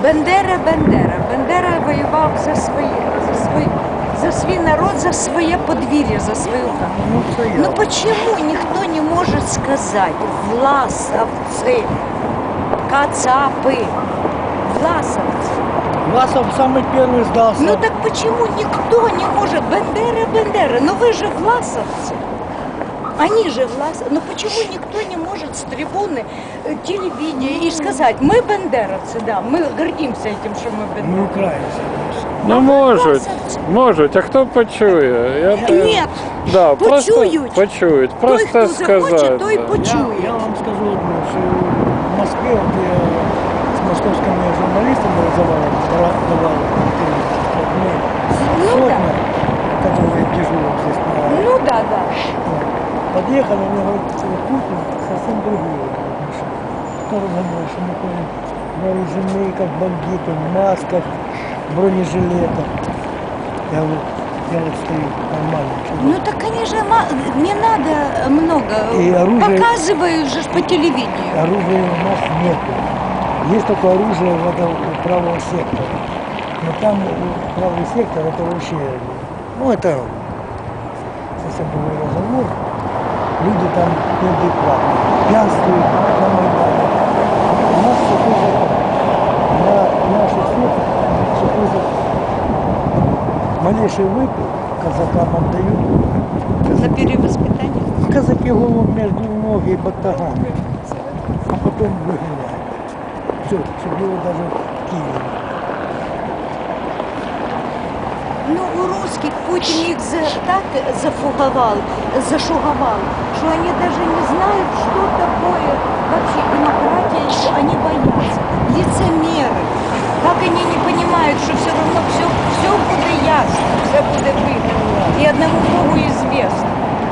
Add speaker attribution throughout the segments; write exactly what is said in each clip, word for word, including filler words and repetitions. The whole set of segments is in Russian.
Speaker 1: Бендера, Бендера. Бендера воював за своє, за свій, за свій народ, за своє подвір'я, за свою хату. Ну почему никто не может сказать власовцы, кацапы, власовцы?
Speaker 2: Власов самый первый сдался.
Speaker 1: Ну так почему никто не может? Бендера, Бендера, но вы же власовцы. Они же власовцы. Но почему никто не может с трибуны э, телевидения и сказать, мы бендеровцы, да, мы гордимся этим, что мы
Speaker 2: Мы
Speaker 1: бендеровцы.
Speaker 2: украинцы.
Speaker 3: Ну можуть, можуть, а хто почує? Я те-
Speaker 1: Нет,
Speaker 3: да, просто
Speaker 1: почують.
Speaker 3: почують,
Speaker 1: Той,
Speaker 3: просто
Speaker 1: хто захоче,
Speaker 3: сказати.
Speaker 1: той
Speaker 3: да.
Speaker 2: Я,
Speaker 1: почує.
Speaker 2: я вам скажу одно, что в Москве, вот я с московскими журналистами разговаривал, давал интервью,
Speaker 1: Ну
Speaker 2: сотня,
Speaker 1: да.
Speaker 2: которые дежурят здесь на...
Speaker 1: Ну да, да.
Speaker 2: Подъехали, мне говорят, Путин совсем другие машины. Тоже говорят, что мы ходим вооружены, как бандиты, в масках, бронежилетах. Я вот, я вот стою нормально.
Speaker 1: Ну так, конечно, ма- не надо много.
Speaker 2: И оружие-
Speaker 1: Показывают же ж по телевидению.
Speaker 2: Оружия у нас нету. Есть только оружие в этом у правого сектора. Но там у правый сектор это вообще, ну это совсем другой разговор. Люди там неадекватные, пьянствуют на Майдане. У нас сухой закон. На наших светах сухой закон. Малейший выпил казакам отдают.
Speaker 1: За перевоспитание.
Speaker 2: Казаки голову между ноги и батагами. А потом выгоняют. Все, чтобы его даже в Киеве.
Speaker 1: Ну, у русских Путин их за, так зафуговал, зашуговал, что они даже не знают, что такое вообще демократия, что они боятся. Лицемеры. Как они не понимают, что все равно все, все будет ясно, все будет выгодно. И одному Богу известно.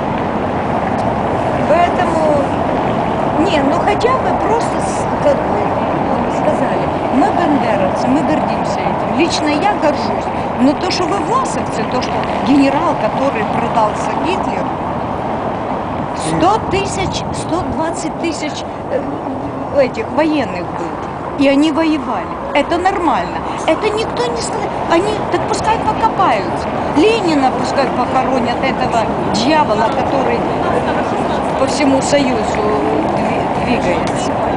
Speaker 1: Поэтому, не, ну хотя бы просто, с- как бы, сказали, мы бендеровцы, мы гордимся этим. Лично я горжусь. Но то, что вы власовцы, то, что генерал, который продался Гитлеру, сто тысяч, сто двадцать тысяч э, этих военных было. И они воевали. Это нормально. Это никто не сказал. Они, так пускай покопаются. Ленина пускай похоронят, этого дьявола, который по всему Союзу дви- двигается.